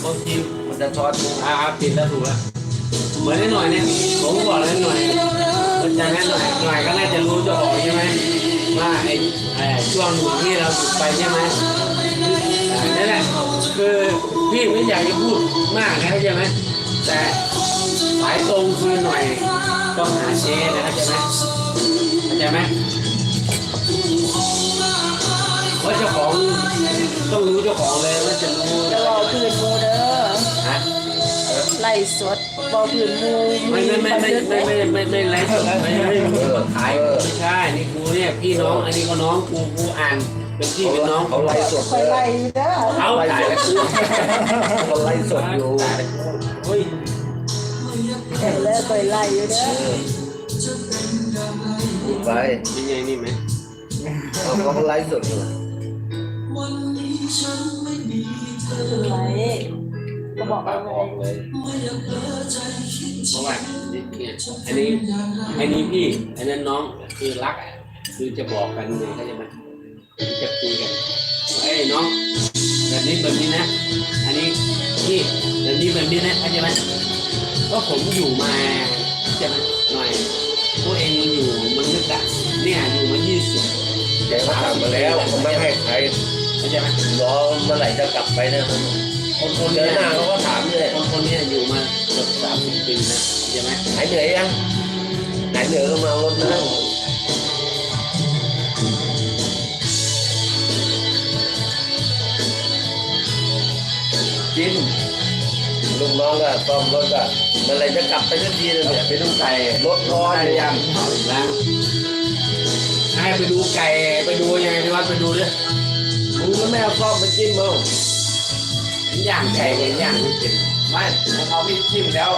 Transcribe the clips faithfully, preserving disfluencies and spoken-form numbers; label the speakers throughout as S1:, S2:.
S1: บางที
S2: มันจะช็อต
S1: อาปิดแล้วถูกแล้วเหมือนนิดหน่อยเนี่ยผมบอกแล้วหน่อยมันจะนั้นหน่อยหน่อยก็น่าจะรู้เจ้าของใช่ไหมว่าไอ้ไอ้ช่วงหนึ่งที่เราหยุดไปใช่ไหมนั่นแหละคือพี่ไม่อยากจะพูดมากนะใช่ไหมแต่สายตรงคือหน่อยต้องหาเชนนะครับใช่ไหมเข้าใจไหมว่าเจ้าของต้องรู้เจ้าของเลยว่าจะรู้
S3: จะรอพื้นมูเด้อ
S1: ฮะ
S3: ไล่สดบอพื้นมู
S1: ไม่ไม่ไม่ไม่ไม่ไม่ไม่ไม่ไลฟ์สดไม่ไม่ไม่ขายไม่ใช่นี่กูเนี่ยพี่น้องอันนี้ก็น้องกูกูอ่านเป็นพี่เป็นน้อง
S2: เขาไล่สด
S3: คอยไล่เด้อ
S1: เขาขายแล้วกู
S2: เขาไล่สดอยู่
S1: เฮ้ย
S3: เห็นแล้วคอยไล่อยู่เด้อ
S2: พูดไป
S1: ยังไงนี่ไหม
S2: เขาเขาไล่สดอยู่
S3: ไล่ก็บอกเอาไง
S2: ออกเลย
S1: เพราะว่าเนี่ยอันนี้อันนี้พี่อันนั้นน้องคือรักอ่ะคือจะบอกกันเลยเขาจะมาจะคุยกันไอ้น้องแบบนี้แบบนี้นะอันนี้พี่แบบนี้แบบนี้นะเข้าใจไหมก็ผมอยู่มาจะหน่อยพวกเองมันอยู่มันนึกอะเนี่ยอยู่มายี่สิบ
S2: แกก็ถามมาแล้วเขาไม่ให้ใคร
S1: เข้าใจไหม
S2: รอเมื่อไหร่จะกลับไปนะคนคนเดินหน้าเขาก็ถามเลย
S1: คนคนนี้อยู่มาเกือบสามสิบปีนะเข้าใจไหม
S2: หายเหนื่อยยังหายเหนื่อยก็มาเอารถนั่ง
S1: จริง
S2: ลูกน้องก็ซ่อมรถก็เมื่อไหร่จะกลับไปสักทีเลยเนี่ย
S1: ไปดูไก่
S2: รถร้อน
S1: ได้ยังเอาอีกแล้วให้ไปดูไก่ไปดูยังไงที่วัดไปดูดิ
S2: มึงก็ไม่เอาซ่อมมาจิ้มมั้ง
S1: ย่างไก่กับย่างไม่เป็น
S2: ไม่ถ้าเขาไม่จิ้มแล้ว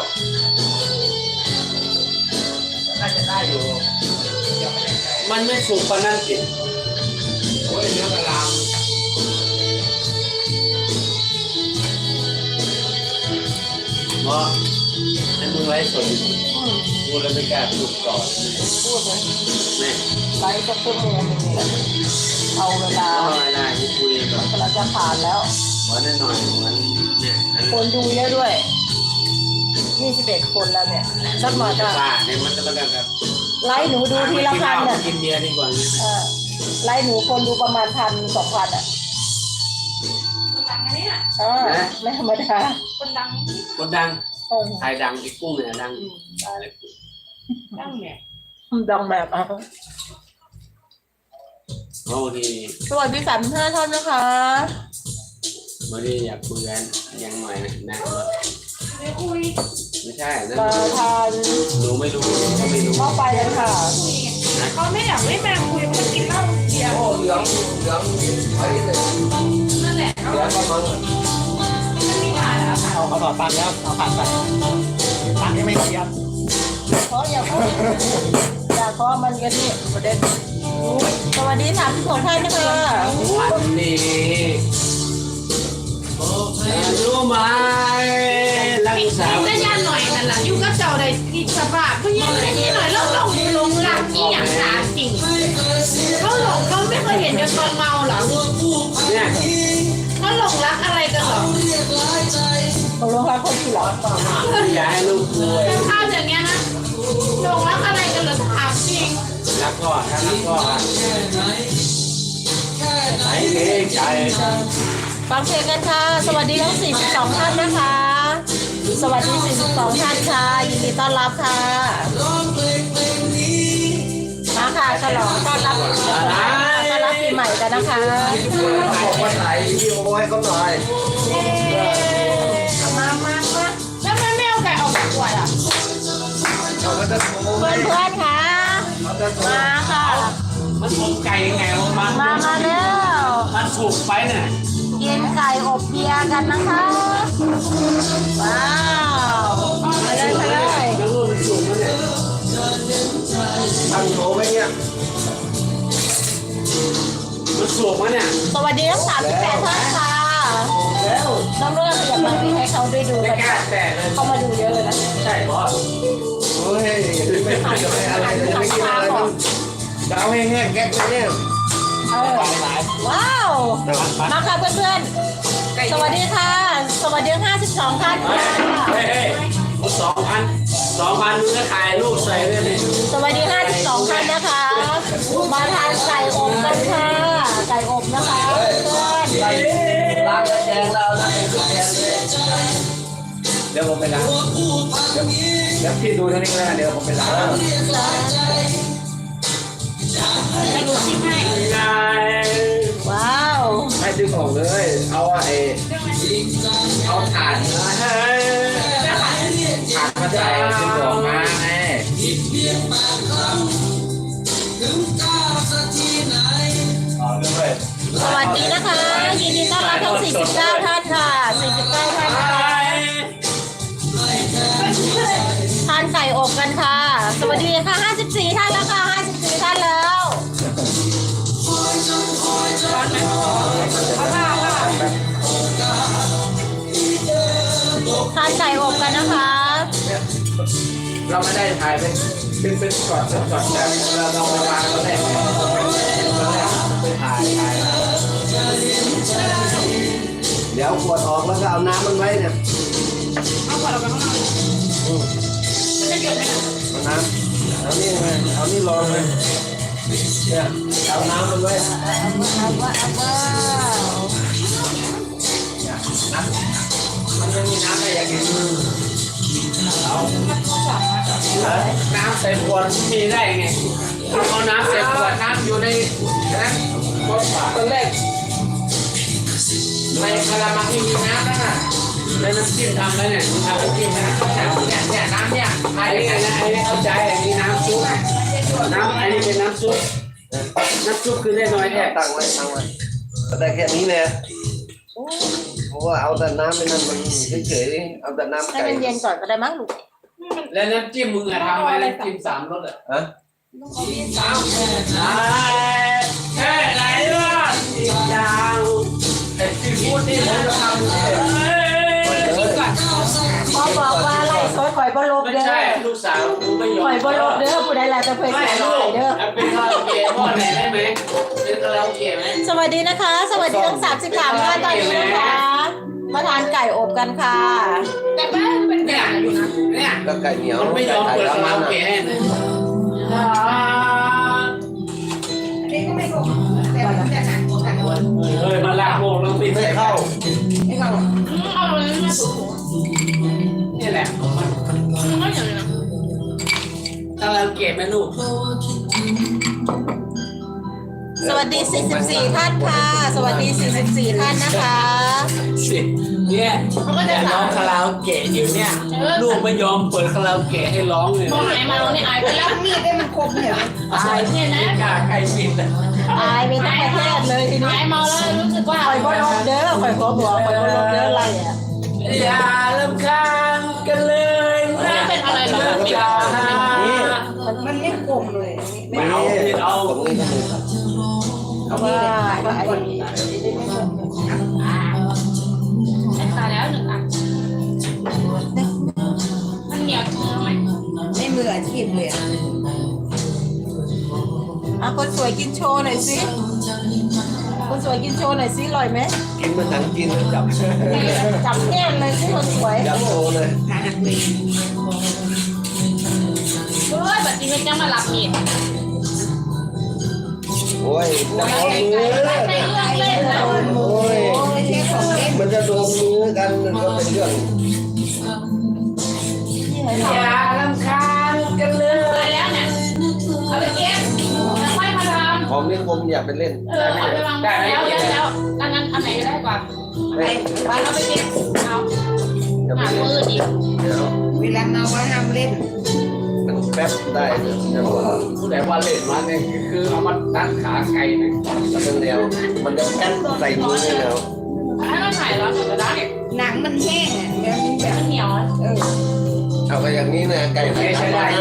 S2: น่าจะได้อยู่ยังไม่ได้ใจ
S1: มันไม่สุกปานนั้นสิ
S2: โอ้ยเนื้อกระลาม
S1: เพราะให้มึงไลฟ์สดกูเลยไม่กล้าพูดก่อน
S3: พูดเลย
S1: แม่
S3: ไล่สักชั่วโมงนึงเนี่ยเอาเวลา
S1: เอาอะไรได้กูคุยก่อน
S3: กำลังจะผ่านแล้ว
S1: ขอแน่หน่อยมันเนี่ยอัน
S3: คนดูเยอะด้วยยี่สิบเอ็ดคนแล้วเนี่ยสักหน่อยจะ
S1: บ้าเนี่ยมันจะมาแบบ
S3: ไล่หนูดูทีละพัน
S1: เนี่
S3: เนี่ย
S1: กินเบียร์ดีกว่า
S3: เออไล่หนูคนดูประมาณพันสองพันอ่ะ
S4: คนดังนะเนี่ย
S3: เออไม่ธรรมดา
S4: คนดัง
S1: คนดัง
S3: โอ้
S1: ไทยดังไอ้กุ้งเนี่ยดัง
S4: ดังเนี่ย
S3: ดังแบบอ่ะ
S1: โอ้ดี
S3: สวัสดีสามห้าท่านนะคะ
S1: วันนี้อยากคุยกันยังหน่อยนะนะ
S4: ไม่คุย
S1: ไม่ใช่นั่น
S3: มาทาน
S1: หนูไม่รู้ก็ไม่รู้
S3: เข้าไปกันค่ะ
S4: คุยเขาไม่อยากไม่มาคุยมันกินเหล้าเบียร์
S2: โอ้เหลืองเหลืองไปเลย
S4: นั่นแหละเขา
S2: เหลืองก็มัน
S4: ไม่มีผ่านแล้วค่ะ
S5: เอาเขาต่อตังค์แล้วเอาผ่านไปตังค์ยังไม่เทียบ
S3: เพราะอย่าพูดอย่าเพราะมันกันนี่ประเด็นสวัสดีสามสิบหกท่านนะคะ
S1: วันนี้รู้ไหมรักษา
S4: ก็ย่าหน่อยนั่นแหละอยู่ก็เจ้าได้กินสบายเพราะยังไงนี่หน่อยเราลงลงรักนี่อย่างสาจริงเขาหลงเขาไม่เคยเห็นกันตอนเมาหรอ
S1: เนี่ย
S4: เขาหลงรักอะไรกันหรอ
S3: ตกลงรักคนที่หรอ
S1: อย่าให้ลูกกลัว
S4: ข้าวอย่างเงี้ยนะหลงรักอะไรกันหรอถามจริง
S1: รักก็ถ้ารักก็ไหนเด็กใจ
S3: ฟังเพลงกันค่ะ สวัสดีทั้งสี่สิบสองท่านนะคะ สวัสดีสี่สิบสองท่านค่ะ ยินดีต้อนรับค่ะ มาค่ะฉลองต้อนรับต้อนรับปีใหม่กันนะคะ
S2: บอกว่าถ่ายวิดีโอให้เขาหน่อย
S4: เอ๊ะมามามาแล้วมันไม่เอาไก่ออกจากขวดอ่ะ
S2: เขาก็จะโทร
S3: เพื่อนเพื่อนๆค่ะ
S2: เขาจะโทร
S3: มาค่ะ
S1: มันถูกไก่ยังไงวะมัน
S3: มามาแล้ว
S1: มันถูกไปเนี่ย
S3: กินไก่อบเบียร์กันนะคะ ว้าวมาเลยมาเลย
S1: แล้วลูกมันถูกมันเนี่ย
S2: ตั้งโทรไว้เนี่ย
S1: มันถูกมันเนี่ย
S3: สวัสดีทั้งสามสิบแปดท่านค่ะ
S2: แล้ว
S3: น้องเรื่องอยากมาให้เขาได้ดู
S1: ไม่
S3: กัน
S1: กล้าแตะเลย
S3: เข้ามาดูเยอะเลยนะ
S1: ใช่บอส
S2: โอ้ยไม่ผ่านจะไม่อะไรเลยไม่กินอะไรมันจะเอาแห้งๆแก๊กเลยเนี่ย
S3: เออว้าว มาค่ะเพื่อนๆ สวัสดีค่ะ สวัสดีห้าสองท่านค่ะ
S1: เฮ้ยเฮ้ยสองพันสองพันมึงก็ถ่ายรูปใส่ด้วยนี่
S3: สวัสดีห้าสิบสองท่านนะคะ มาทานไก่อบกันค่ะไก่อบนะคะเพื่อน
S2: ใส่ล้างกระแจงเราล้างกระแจงเลยเดี๋ยวผมไปล้างเดี๋ยวเดี๋ยวพี่ดูเท่านี้ก็ได้เดี๋ยวผมไปล้าง
S4: ให้ดูซิให้
S1: ไง
S3: ว้าว
S2: ให้ดึงออกเลย เอาไอ้เอาถ่านมาให้ถ่านมาใส่ดึงออกมาไง อ๋อเรื่องเลย
S3: สวัสดีนะคะ ยินดีต้อนรับทั้งสี่สิบเก้าท่านค่ะสี่สิบเก้าท่านนะคะทานไก่อบกันค่ะ สวัสดีค่ะห้าสิบสี่ท่านแล้วค่ะห้าสิบสี่ท่านแล้วทานไก่อบกันนะคะ
S2: เราไม่ได้ถ่ายเป็นเป็นเป็นช็อตเป็นช็อตแต่เราเรามาวางตอนแรกเนี่ยตอนแรกไปถ่ายถ่ายเดี๋ยวขวดออกแล้วก็เอาน้ำมันไว้เนี่ย
S4: เอาขวดออกไปข้างนอกมันจะหยดไหมคะ
S2: เอาน้ำเอานี่ไงเอานี่รองเลยเนี่ยเอาน้ำมันไว้
S3: เอาว่าเอาว่าเอาว่า
S2: เนี่ยน้ำมันยังมีน้ำอะไรอย่างอื่นเอาน้ำใส่ขวดมีได้ไงเอาน้ำใส่ขวดน้ำอยู่ในนั้นตอนแรกในกระมังที่มีน้ำนั่นน่ะในน้ำจิ้มทำแล้วเนี่ยทำน้ำจิ้มนะเนี่ยเนี่ยน้ำเนี่ยไอ้นี่นะไอ้นี่เข้าใจไอ้นี่น้ำซุปน้ำไอ้นี่เป็นน้ำซุปน้ำซุปคือเล็กน้อยแค่ตั้งไว้ตั้งไว้แต่แค่นี้เนี่ยเพราะว่าเอาแต่น้ำไม่นั่นมันเฉยๆเอาแต่น้ำ
S3: ให้
S2: ไก่
S3: มันเย็นก่อนก็ได้มั้งลูก
S1: แล้วน้ำจิ้มมึงอะทำไว้น้ำจิ้มสามรสอะ
S2: ฮะ
S1: สามแค่ไหนล่ะอีกยาวไอ้ที่พูดนี่ผมจะทำกินก่อน
S3: พ่อบอกว่าไล่ซอยข่อยบ่ลบ
S1: ไม่
S3: เด้อ
S1: ใช่ลูกสาวกูไม่ยอม
S3: ข่อยบ่ลบเด้อผู้ใดล่ะจะเคย
S1: ไม่
S3: ใส่
S1: ลู
S3: ไข่
S1: ก
S3: เด้อ
S1: เป็นคาราโอเกะพ่อไหนได้ไหมเป็นคาราโอเกะไหม
S3: สวัสดีนะคะ สวัสดีทั้งสามสิบสามท่านตอนนี้นะคะ มาทานไก่อบกันค่ะ
S4: แต่บ้านเป็น
S1: เนี่ย
S4: ไก่อยู่นะ
S1: เนี่ย
S2: ก็ไก่เหนียว
S1: มันไม่ยอมเปิดคาราโอเกะให้เลย
S4: อันนี้ก็ไม่ถูกแต่มันจะหนักแต่คน
S1: เฮ้ยมาลากโมกแล้วปิด
S2: ไม่
S1: ไม่
S2: เข้า
S1: เข้า
S4: ไม่เข้าหรอกเอาเลยนะถูก
S1: นี่แหละมัน
S4: มันก็อย่างนี้นะ
S1: คาราโอเกะไหมลูก
S3: สวัสดีสี่สิบสี่ท่านค่ะ สวัสดีสี่สิบสี่ท่านนะคะ
S1: สิเนี่ยแต่น้องคาราโอเกะอยู่เนี่ยลูกไม่ยอมเปิดคาราโอเกะให้ร้องเลย
S4: มองไหนมาเนี่ยอายไปแล้วมีดได้มันคมเนี่ย
S1: อายเนี่ยนะกล้าใครปิดอ่ะ
S3: อายไปทั้งประเทศเลยทีนี้
S4: อายเมาแล้วรู้สึกว่า
S3: ข่อยบ่ลบเด้อข่อยขอบอกข่อยบ่ลบเด้ออะไรอ่ะ
S1: อย่าลำคาญกันเลยนะ
S4: เป็นอะไรนะ
S1: อย่า
S4: มันไม่คมเลย
S1: ไม่เอาไม่เอา
S2: ตรงนี้ก็มีครับ
S3: เอาว่าว่าไอ้
S4: ตายแล้วหนึ่งอ่ะมันเหนียวไหม
S6: ไม่มืออาชีพเลยอะ
S3: อ่ะคนสวยกินโชว์หน่อยสิคนสวยกินโชว์หน่อยสิอร่อยไหม
S2: กินมันทั้งกินจับ
S3: จับแก้มเลยสิคนสวย
S2: จับโตเลย
S6: ขาหักเลย
S4: เฮ้ยแบบนี้มันจะมารับมีด
S2: โอ้ยจับมือ
S4: ใช่เรื่องเล่นนะ
S2: โอ้ย
S6: โอ้ยเชฟของเล่น
S2: มันจะโดนมือกันมันก็เป็นเรื่อง
S1: อย่าลำคาญกันเลย
S4: ตายแล้วเนี่ยเอาไปเก็บแล้วค่อยมาทำ
S2: ของนี่ผมอย่าไปเล่น
S4: เออเอาไปวางแล้วแล้วแล้วอันนั้นอันไหนก็ได้กว่า
S2: ไม่
S4: วางแล้วไปเก็บเอา
S2: อย่า
S4: หา
S2: ไป
S4: มื
S2: เล่น
S4: อดิ
S2: เดี๋ยว
S6: เวลาเมาว่าห้ามเล่น
S2: มันแป๊บได้เดี๋ยวจะบอก
S1: ผู้ใดว่าเล่นมาเนี่ยคือเอามาตัดขาไก่นะ
S2: แล้วมันเร็วมันจะแป๊บใส่มือนี่แล้ว
S4: ถ้าเราถ่ายแล้วก็ได้
S6: หนังมันแห้งอ่ะแล้วมันแบบ
S4: มันเหนียว
S6: เออ
S2: เอาไปอย่างนี้นะไก่ไม่ใช่ได้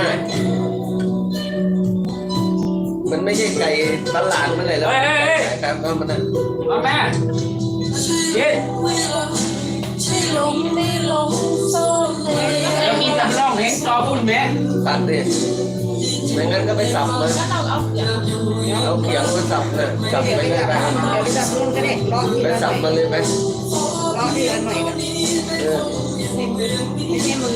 S2: มันไม่ใช่ไก่ตลาดมันเลยแล้วไก่แบบมันนะ
S1: มาแม่ยิน
S3: ลงไม่ลงโซ่เลย
S1: แล้วมีตำร่องเห็นจอพุ่นแม่
S2: ตัดดิไม่งั้นก็ไปสับเลย
S4: แล้วเราเอาเขียง
S2: เอาเขียงมาสับเลยสับไปเลยไป
S6: เดี๋ยวไปจับรุ่นก็ได้รอที
S2: ไป
S6: ละห
S2: สับ
S6: น่
S2: มา
S6: อย
S2: เลยไป
S6: รอทีละหน่อยกัน
S2: เออ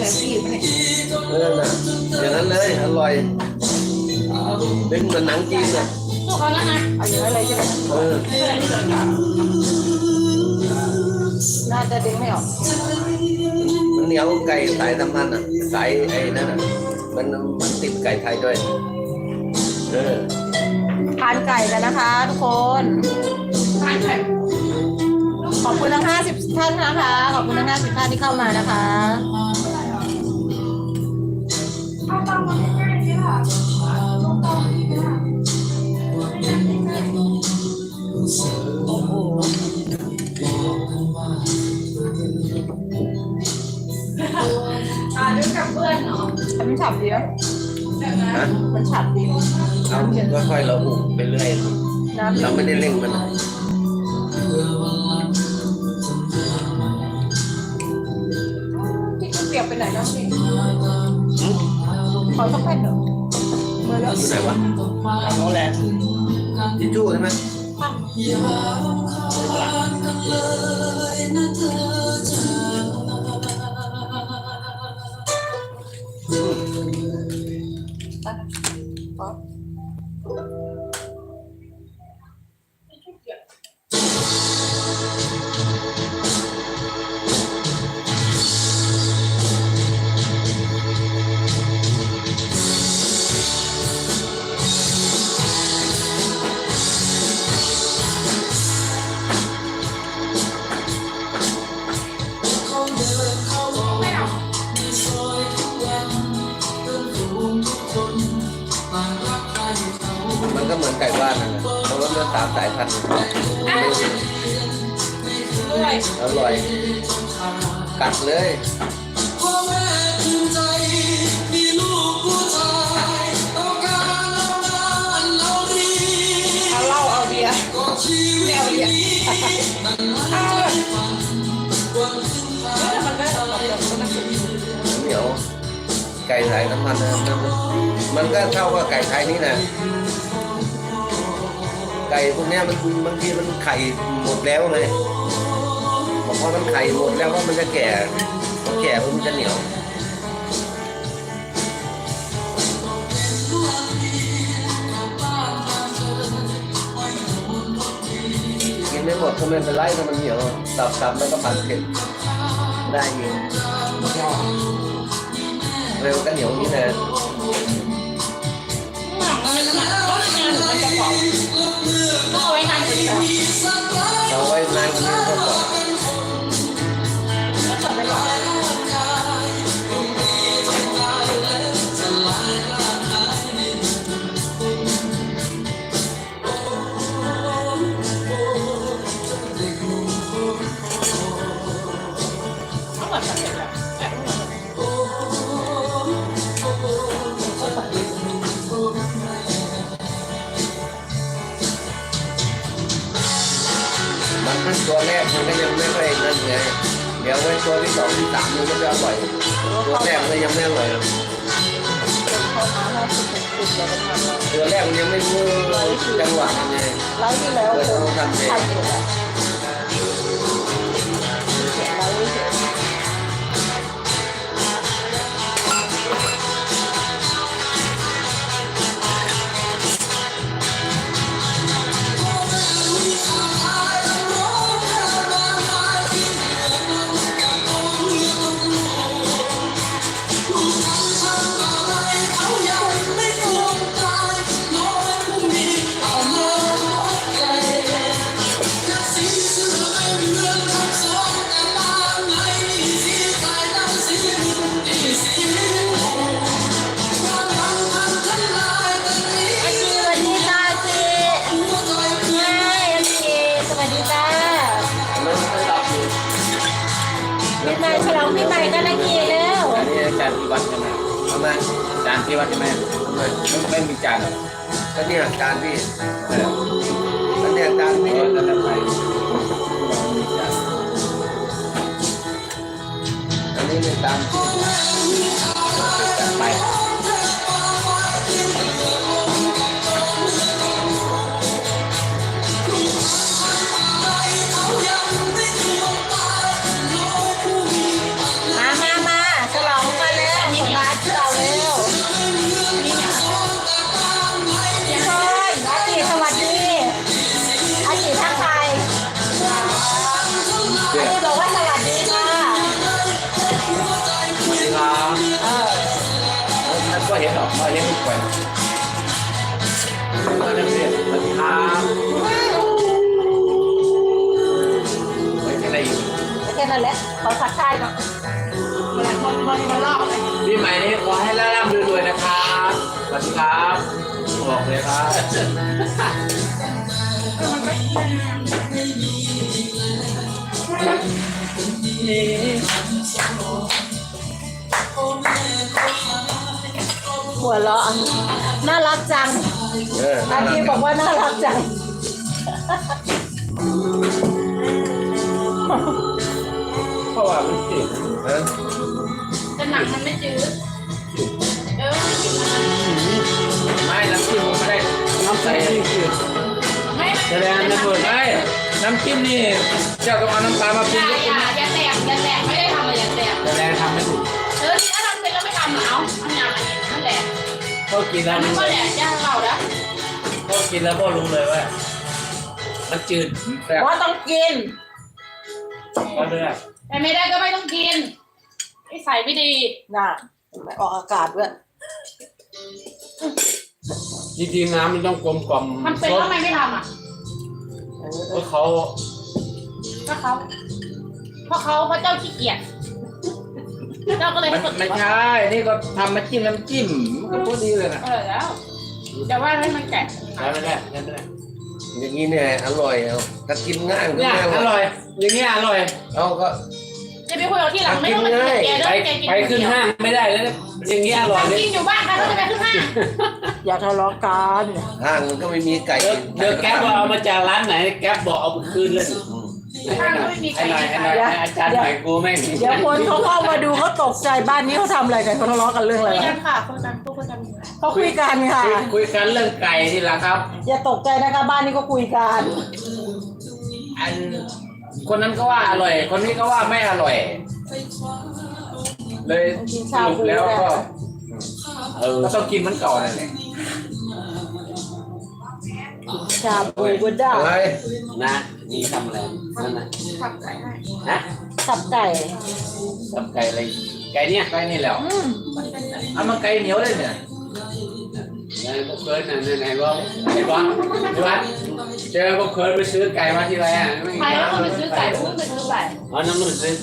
S6: อาชีพเนี่ย
S2: เออน่ะอย่างนั้นเลยอร่อยเป็นเหมือนหนังจีนอ่ะ
S4: พวกเขาแล้วนะ
S3: เอาอย่างนั้นเลยใช่ไหม
S2: เออ
S3: น่าจะดึงไม่ออก
S2: มันเหนียวไก่สายสัมพันธ์อ่ะสายไอ้นั่นอ่ะมันมันติดไก่ไทยด้วยเออ
S3: ทานไก่กันนะคะทุกคน
S4: ทานไข่
S3: ขอบคุณทั้งห้าสิบท่านนะคะ ขอบคุณทั้งห้าสิบท่านที่เข้ามานะคะ
S4: เอาตังมาให้ง่ายๆค่ะ
S3: โอ้โห
S4: อ่าด้วยกับเพื่อนเนาะ
S3: มันฉับดีนะ
S2: ฮะ
S3: มันฉับดี
S2: เอาก็ค่อยเราหุบไปเรื่อย
S3: น้ำ
S2: เราไม่ได้เร่งมัน
S3: ที่เปียกไปไหนน้องพี่ขอสักแผ่นเถอะเมื่อแล้ว
S2: อยู่ไหนวะ
S5: โนแลนด์
S2: ทิชชู่ใช่ไหม
S4: ไม่เอา
S2: มันก็เหมือนไก่บ้านนั่นแหละเพราะว่าเนื้อสามสายพันธุ์
S4: ด้วย
S2: อร่อย กัดเลย
S6: เอาเหล้าเอาเบียร์ไม่เอาเบียร์
S4: แล้วมันก็เอาเราเราก็นั่งกิน
S2: เหนียวไก่สายน้ำมันนะมันก็เท่ากับไก่ไทยนี่นะไก่พวกเนี้ยมันบางทีมันไข่หมดแล้วไงพอมันไข่หมดแล้วก็มันจะแก่พอแก่มันจะเหนียวกินไม่หมดก็ไม่เป็นไรถ้ามันเหนียวสับๆแล้วก็ผัดเผ็ดได้อยู่เร็วก็เหนียวนี้นะ
S4: มันจะกรอบต้องเอาไว้นานกว่านี้
S2: เอาไว้นานกว่านี้ก็พอ
S4: ก็จะไม่กรอบ
S2: มันเป็นตัวแรกมันก็ยังไม่ค่อยนั่นไงเดี๋ยวไว้ตัวที่สองที่สามมันก็จะอร่อยตัวแรกมันยังไม่อร่อยตัวแรกมันยังไม่รู้จังหวะมันไง
S3: แล้วที่แล้ว
S2: เปิดต้องทำเอง
S3: ทำอยู่แหละแล้วเฉย ปีใหม่ฉลองปีใหม่กันนะกีแล้ว
S1: อันนี้จานที่วัดใช่ไหม
S2: ทำไม
S1: จานที่วัดใช่ไหม
S2: ทำไม
S1: ไม่ไม่มีจานหรอก
S2: ก็เนี่ยจานพี่
S1: เออ
S2: ก็เนี่ยจาน
S1: เอ
S2: พี่
S1: อแล้วทำไมมีจาน
S2: อันนี้เป็นจานพี่
S1: จานไป
S3: มามามาฉลองกั
S2: มาเลี้ยงลูกไปมาเรียนสวัสดีครับไว้แค่ไหนอยู่
S3: แค่นั้นแหละขอทักทายก่อน
S4: เวลาคนคนมาลอกเลย
S2: ปีใหม่นี้ขอให้ร่ำรวยๆนะครับสวัสดีครับบอกเลยครับ
S3: หัวเราะน่ารักจัง
S2: เออ
S3: อากีบอกว่าน่ารักจัง
S2: เพราะว่ามันติดนะ
S4: แต่หนังมันไม่จืดเออ
S2: ไม่น้ำจิ้มผมไม่ได้น้ำใสนี่คือ
S4: ไม่
S2: แสดงนะเปิดได้น้ำจิ้มนี่เจ้าต้องเอาน้ำตาลมาป
S4: อ
S2: รุง
S4: ย่า
S2: แล้ว
S4: อย่าอย่าแตกอย่าแตกไม่ได้ทำเลยอย่าแตก
S2: แสดงทำไม่ถูก
S4: เออที่ถ้าทำเป็นแล้วไม่ทำเอาทำอย่างนี้นั่นแหละ
S2: เขากินแล้ว
S4: มันก็แหละย่าเราแล้ว
S2: เขากินแล้วก็รู้เลยว่ามันจืดแซ่บ
S3: ว่าต้องกิน
S2: ก็เลย
S4: แต่ไม่ได้ก็ไม่ต้องกินไอ้ใส่ไม่ดี
S3: น่ะออกอากาศด้วย
S1: จริงๆน้ำมันต้องกลมกล่อม
S4: มันเป็นแล้วทำไมไม่ทำอ่ะ
S1: เพราะเขา
S4: เพราะเขาเพราะเขาเพราะเจ้าขี้เกียจเจ้าก็เลย
S2: มันไม่ใช่นี่ก็ทำมาจิ้มน้ำจิ้มมันก็พอดีเลยนะ
S4: เออแล้วแต่ว่าให้มันแกะ
S2: ใช่ไม่ได้ใช่ไม่ได้
S5: อย่างนี้เนี่ยอร่อยเอาถ้ากินง่ายมันก็
S1: เนี่ย
S5: ง่าย
S1: อร่อย อย่างเงี้ยอร่อย
S5: เอาก็
S4: จะไปคุยกับที่หลังไม่ต้องมาเกลียดแกเด้
S1: ไป
S4: อแกกิน
S1: ไปขึ้นห้างไม่ได้แล้วเนี่ยอย่างเงี้ยอร่อยเลย
S4: กินอยู่บ้านใครก็จะไปขึ้นห้าง
S3: อย่าทะเลาะกัน
S5: ห้างมันก็ไม่มีไก่
S1: เดี๋ยวเดี๋ยวแก๊ปว่าเอามาจากร้านไหนแก๊ปบอกเอาไปคืนเลย
S5: อืม
S4: ห้างก็ไม่มีใคร
S1: ไอ้หน่อยไอ้หน่อยไอ้อาจารย์หน่อยกูไม่ง
S3: เดี๋ยวคนเขาเข้ามาดูเขาตกใจบ้านนี้เขาทำอะไรกันเขาทะเลาะกันเรื่องอะไร
S4: คุยกั
S3: วะ
S4: นค่ะคุยกันคุยกัน
S3: เขาคุยกันค่ะ
S1: คุยคุยกันเรื่องไก่นี่แหละครับ
S3: อย่าตกใจนะคะบ้านนี้ก็คุยกัน
S2: อันคนนั้นก็ว่าอร่อย คนนี้ก็ว่าไม่อร่อย เลยสรุปแล้วก็
S1: เออ
S2: ก็ต้องกินเหมันเก่านั่นแหละ
S3: ชาบูก็ได้
S5: อะไร
S1: นะนี่ทำอะไรนั่นน่ะ
S4: ขับไก่ให้
S1: นะ
S3: สับไก่
S1: สับไก่อะไรไก่เนี่ย
S2: ไก่นี่แหล้ว
S3: อืม
S2: เอามาไก่เหนียวเลยเนี่ย
S1: ไอ้พวกเคยน่ะไหนๆว่าไอ้วัดไอ้วัดเจอพวกเคยไปซื้อไก่มาที่ไรอ่ะไม่
S4: ใครก็ต้องไปซื้อไก่พุ่งไปซื้อไก่
S1: อ๋อน้ำมันซื้อ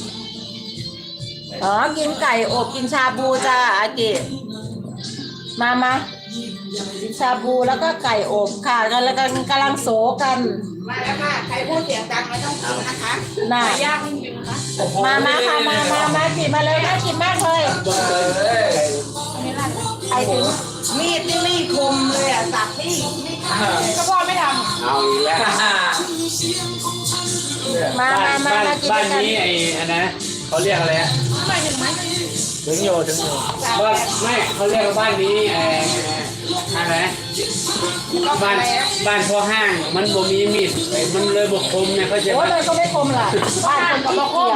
S3: อ๋อกินไก่อบกินชาบูจ้าอากิมามากินชาบูแล้วก็ไก่อบค่ะกันแล้วกันกำลังโสกัน
S4: มาแล้วค่ะใครพูดเสียงดังไม่ต้องกินนะคะ
S3: น่ะ
S4: ไก่ย่างไม่กินนะคะ
S3: มามาค่ะมามามากินมาเลยน่ากินมากเลย
S1: พวกเคย
S4: อันนี้ร้าน
S3: ใครถึง
S6: มีดนี่ไม่คมเลยอ่ะสับนี่ไม่ขาด
S4: ก็พ่อไม่ท
S1: เอาอีกแล้ว
S3: มา
S1: บ้าน
S3: มามา
S1: บ้าน
S3: มากิน
S1: บ้า
S3: ด้วน ยกัน
S1: นี้ไอ้อันนะเขาเรียกอะไรอ่ะ
S4: ำไม่ถึงไหม
S2: ถึงโยถึงโย
S1: บ้านไม่เขาเรียกว่าบ้านนี้ไอ้อะไรบ้านบ้านพ่อห้างมันบ่มีมีดมันเลยบ่คมเนี่ยเขาจะ
S3: โอ้เลยก็ไม่คมล่ะบ้านคนก็ไม่คม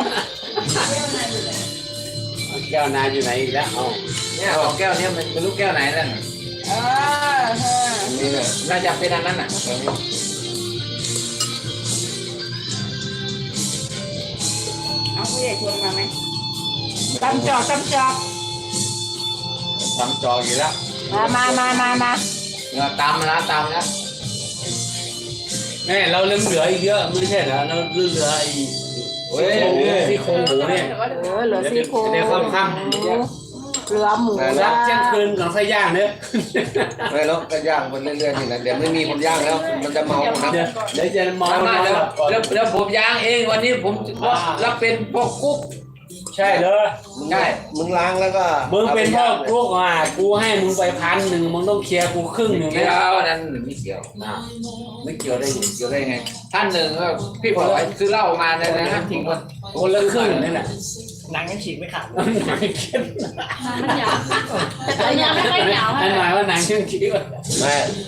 S1: แก้วนาอยู่ไหนอีกแล้วเอา
S2: เนี่ยของแก้วเนี่ยมันเป็นลูกแก้วไหนนั่นน่ะ
S6: เออเออ
S2: นี่เนี่ยน่าจะเป็นอันนั้นน่ะ
S6: เอาผู้ใหญ่ชวนมาไหมตำจอกตำจอก
S2: ทำจออยู่แล้ว
S3: มามามามามา
S2: เนี่ยตามมาแล้วตามแล้ว
S1: แม่เราเรื่องเหลืออีกเยอะไม่ใช่เหรอเราเรื่องเหลือไอ้
S2: โอ้ย
S1: ซี่โครงหมูเนี่ย
S3: เออเหลือซี่โครง
S1: เดี๋ยวค่ำค่
S3: เหลือหมู
S1: ำรับเที่ยงคืนของไส้ย่างเนอะ
S5: ไม่แล้วก็ย่างมันเรื่อยๆนี่นะเดี๋ยวไม่มีคนย่างแล้ว มันจะเมาครับ
S1: เดี๋ยวเดี๋ยวจะมอง
S2: มาแล้วแล้วแล้วผมย่างเองวันนี้ผมรับเป็นพวกกุ๊ก
S1: ใช่เลย
S2: ใช่
S5: มึงล้างแล้วก็
S1: มึงเป็นพ่อลูกอ่ะกูให้มึงไปพันหนึ่งมึงต้องเคลียร์กูครึ่งหนึ่ง
S2: เกี่
S1: นะ
S2: ยวนั้นไม่เกี่ยว
S1: อ่ะไม่เกี่ยวได้ไง
S2: เกี่ยวได้ไง ท่านหนึ่งก็พี่บอกว่าซื้อเหล้ามาเนี่ยนะทิ้งคน
S1: คนละครึ่งนี่แหละ
S5: หนังยังฉีกไม่ขาด
S1: ไม่เก็บ
S4: มันหยาบแต่ตัวเนี้ยไม่ค่อยหยาบ
S1: อันหมายว่าหนังเชื่องคิดว่า
S5: แม่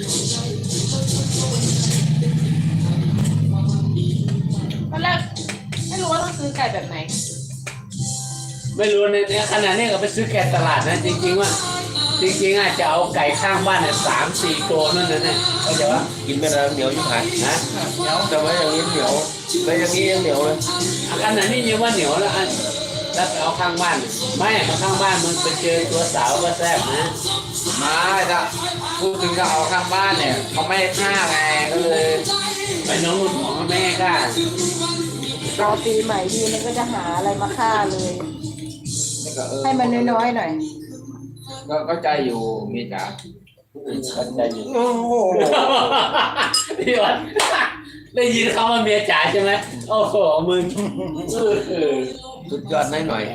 S4: ตอนแรกไม่รู้ว่าต้องซื้อไก่แบบไหน
S1: ไม่รู้ในในขณะนี้ก็ไปซื้อแกะตลาดนะจริงๆว่า จริงๆอาจจะเอาไก่ข้างบ้านเนี่ยสามสี่ตัวนั่นนะเนี่ยเข้าใจว่า
S5: กินไม่ได้เหนียวยิ่งหาย
S1: นะ
S5: แต่ว่าอย่างนี้เหนียวแต่อย่างนี้ยังเหนียวเลย
S1: ขนาดนี้ยังว่าเหนียวแล้วอัน
S2: แต่
S1: แล้วไปเอาข้างบ้านไม่เอาข้างบ้านมันไปเจอตัวสาวก็แซ่บนะ
S2: มาถ้าพูดถึงจะเอาข้างบ้านเนี่ยเขาไม่ให้ฆ่าไงก็เลย
S1: ไปน้องนุ่นของแม่กล้า
S3: รอปีใหม่ทีมันก็จะหาอะไรมาฆ่าเลย
S2: นี่ก็เออ
S3: ให้มันน้อยๆหน่อย
S2: ก็เข้าใจอยู่เมียจ๋าเข้าใจอยู่
S5: โอ้โห
S1: พี่วันได้ยินเขาว่าเมียจ๋าใช่ไหมโอ้โหมึงเออเออ
S5: สุดยอดหน่อยหน่อย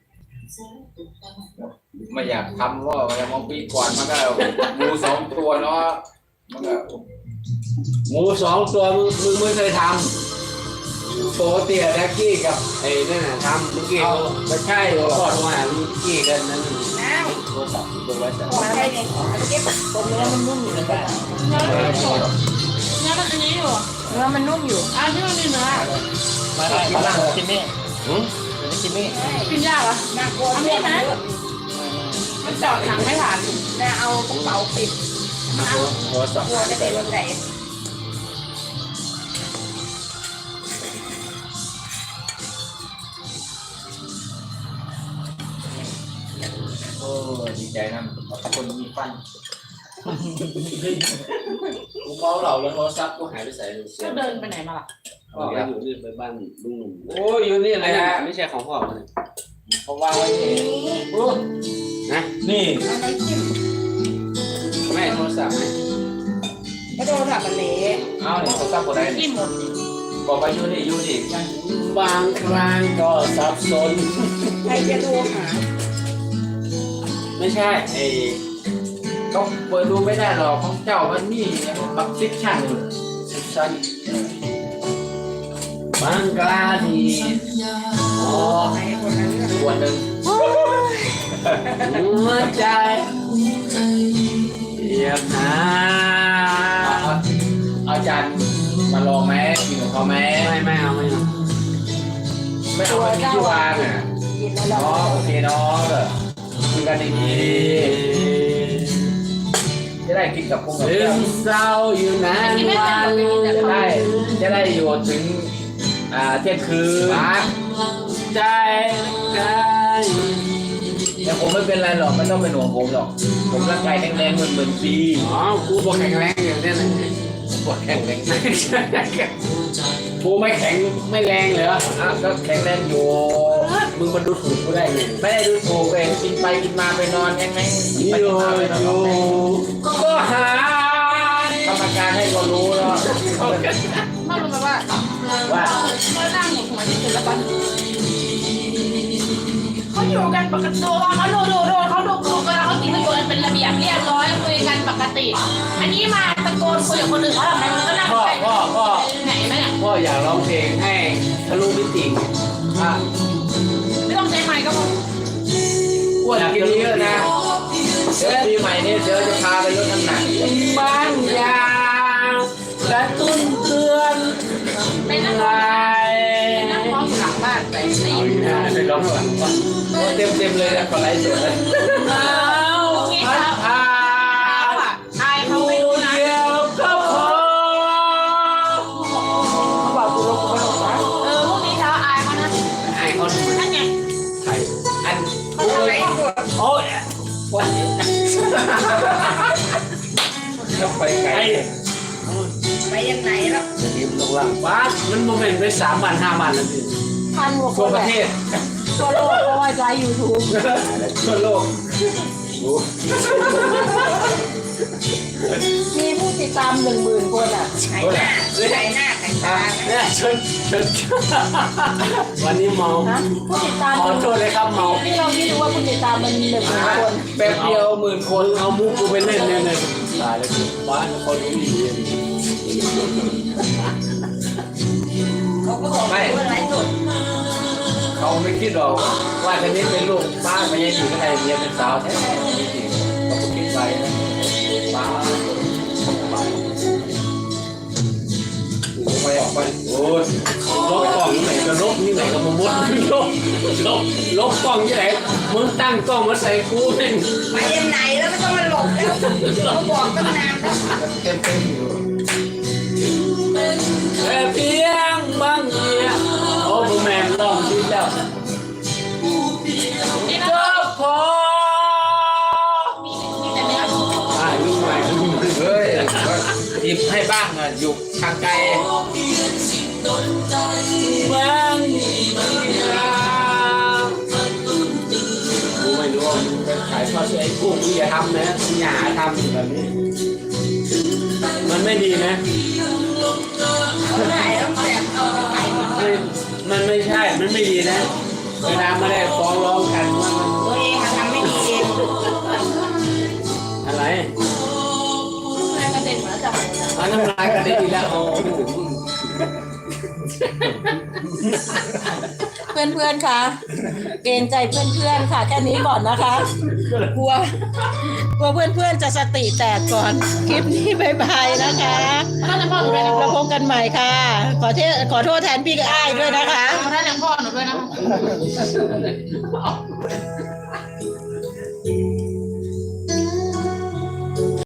S2: ไม่อยากทำว่าแต่มองปีก่อนมันก็หมูสองตัวเนาะมันก็
S1: หมูสองตัวมึงมึงไม่เคยทำโปรเตียแท็กกี้กับไอ้นั่นน่ะทำเมื่อกี้
S2: เอา
S1: เขา
S2: ไม่ใช่หรอก
S1: ทอดมาเมื่อกี้กันนั่น
S6: น้าว
S1: โทรศัพท์ตัวไว้แต่
S6: ขอใช่เนี่ยเอาไปเก็บ
S3: ตัวเนื้อมันนุ่มอยู่นะ
S4: เนื้อมันสดเนื้อมันอันนี้อยู่
S3: เนื้อมันนุ่มอยู่
S4: อันที่มันมีเนื้อ
S5: มาได้มาได้กินนี่หืมกินนี่
S4: กินยากเหรอ
S6: น่ากลัวเพื่อนนะ
S4: มันเจาะหนังไม่ผ่าน
S6: น่าเอากระเป๋าปิด
S1: โทรศัพท์
S6: กลัวจะเป็นวันไหน
S2: โอ้ดีใจนะคนมีฟัน
S1: กูเมาเหล่าแล้วโทรศัพท์กูหายไปใส่เสีย
S4: ก็เดินไปไหนมาล่ะ
S1: ก็ไปอยู่นี่ไปบ้านลุงหนุ่ม
S2: โอ้ยอยู่นี่
S1: อะ
S2: เล
S1: ไร
S2: ย
S1: นะ
S2: นะ
S1: ไม่ใช่ของพ่อมัน
S2: เขาวางไว้เองนะนี่
S6: อะไรจิ้ม
S1: แม่โทรศัพท์ไหม
S6: ก็โดนแบบมันเละ
S2: เอาเนี่ยเขาซับหมดได้
S4: กินหมด
S2: บอกไปอยู่นี่อยู่นี่
S1: บางครั้งก็สับสน
S6: ใครจะดูหา
S1: ไม่ใช่ไอ้
S2: ต้องเปิดดูไม่ได้หรอกของเจ้ามันมีบักซิกชั่น
S1: สิบชั้นบางกลาดีอ๋อ
S6: ใครคนนั้นเรื่อง
S2: ตัวหนึ่ง
S1: หัวใจอยากหา
S2: เอาเอาจานมาลองไหมกินของเขาไหม
S1: ไม่ไม่เอาไม่เอา
S2: ไม่เอาไปที่วางอ่ะ
S3: กินแล้ว
S2: อ๋
S3: เรา
S2: อโอเคเนาะเออคุยกันดีๆจะได้กินกับพวกเรา
S1: ลืมเศร้าอยู่นานวัน
S2: จะได้จะได้อยู่ถึงอ่าเที่ยงคืน
S1: ใจกาย
S2: แต่ผมไม่เป็นไรหรอกไม่ต้องเป็นห่วงผมหรอกผมร่างกายแข็งแรงเหมือนเหมือนปี
S1: อ๋อกูบอกแข็งแรงอย่างนี้นะ
S2: ปวดแข็งแรง
S1: กูไม่แข็งไม่แรงเหรอ
S2: อ่ะก็แข็งแรงอยู่
S1: มึงมาดูถูกกูได้ไง
S2: ไม่ได้ดูถูกเองกินไปกินมาไปนอนยังไงกิน
S1: อ
S2: ไป
S1: ยู่
S2: กินมาไปนอน
S1: อยู่ก็หาก
S2: รรมการให้ก็รู้แล้ว
S4: ไม่รู้ไหมว่า
S2: ว่า
S4: เขานั่งอยู่หัวที่สุดแล้วกันเขาอยู่กันปกติเขาดูดูดูเขาดูดูกันแล้วเขากินกันอยู่กันเป็นระเบียบเรียบร้อยคุยกันปกติ อันนี้มาตะโกนคุยกับคนอื่นเขาทำไมมันก็นั่ง
S1: พ่อ
S4: ไป
S1: พ่อพ่อ
S4: ไหนไหมเนี่ย
S1: พ่ออยากร้องเพลงให้ทะลุมิติอ่ะ
S4: ไม่ต้องใช้ไมค์ก็พอ
S2: อ้วนกินเยอะนะเดี๋ยวปีใหม่นี้เดี๋ยวจะพาไปลดน้ำหนัก
S1: บางอย่างกระตุ้นเตือน
S4: ไปนั่ง
S1: ลาย
S4: นั่งมองอยู่หลังบ้านไปได้ยิน
S2: ไปร้องหลังก่อนเต็มเต็มๆเลยนะคนไร้สดเลย
S1: หนาวพัดพา
S4: เขาอ่ะอายเขาไม่รู้นะ
S1: เดียวก็พอ
S3: เขาบอกกูลงกูไม่ลงนะ
S4: เออพรุ่งนี้เช้าอายเขานะ
S1: ไอ้เขาทำไม
S4: นั่นไง
S1: ใคร
S2: อัน
S6: เขาทำอะไรกด
S1: โอ้ย
S2: วันนี้ต้องไปไกล
S1: ไอ้
S6: ไปยังไหนแล้ว
S1: ทีมตรงล่างบ้านมันโมเมนต์ไปสามวันห้าวันแล้วพี่
S3: พันกว่าค
S2: ทั่วน ประเทศ
S3: ทั่วโลกเพราะว่าไลฟ์ยูทูบ
S2: ทั่วโลก
S3: มีผู้ติดตามหนึ่งหมื่นคนอ่ะ
S6: ไข่หน้าไข่หน้าไข่ตา
S1: เนี่ยชนชนวันนี้เมา
S3: นะผู้ติดตาม
S1: ขอโทษเลยครับเมา
S3: นี่เราคิดดูว่าผู้ติดตามมันหนึ่งหมื่นคน
S2: แป๊บเดียวหมื่นค
S1: คน นเอามุกกูไปเล่นเนี่ยเนี่ยตายแล้วบ้านคนรู้ดี
S6: เขาก็บอกว่าอะไรสด
S2: เขาไม่คิดหรอกว่าจะนี้เป็นลูกป้าไม่ยังอยู่ข้างในเมียเป็นสาวแท้ๆจริงๆเขาก็คิดไปนะป้าไปออกไปโอ้ย
S1: ลบกล้องที่ไหนก็ลบที่ไหนก็มามุดลบลบลบกล้องที่ไหนมึงตั้งกล้องมาใส่กูเอง
S6: ไปยังไหนแล้วไม่ต้องมาหลบแล้วเขาบอกตั้งนานแล้ว
S2: เต็มเต็มอยู่
S1: แต่เพียงบางเดียวโอ้โหแมนลองที่เจ้า
S2: บให้บ้างอ่ะอยู่ทางไกลบ้างกูไม่รู้ว่ามึงไปขายทอดไอ้กุ้งมึงอย่าทำนะมึงอย่าหาทำแบบนี้มันไม่ดีนะ
S6: ไหนต้องแสบเอาไป
S2: ไม่มันไม่ใช่ มันไม่ดีนะเวลาไม่ได้ฟ้องร้องกันว่ามัน
S6: ตัวเองทำไม่ดีเอง
S2: อะไร
S4: กระเด็นมาจาก
S2: เอาน้ำลายกระเด็นอีกแล้วโอ้โห
S3: เพื่อนๆค่ะเกรงใจเพื่อนๆค่ะแค่นี้ก่อนนะคะ กลัวกลัวเพื่อนๆจะสติแตกก่อนคลิปนี้บายบายนะคะ
S4: ท่านพ่อหนูด้วยนะ
S3: เราพบกันใหม่ค่ะ ขอเทขอโทษแทนพี่อ้ายด้วยนะคะ
S4: ท่านพ่อหนูด้วยนะ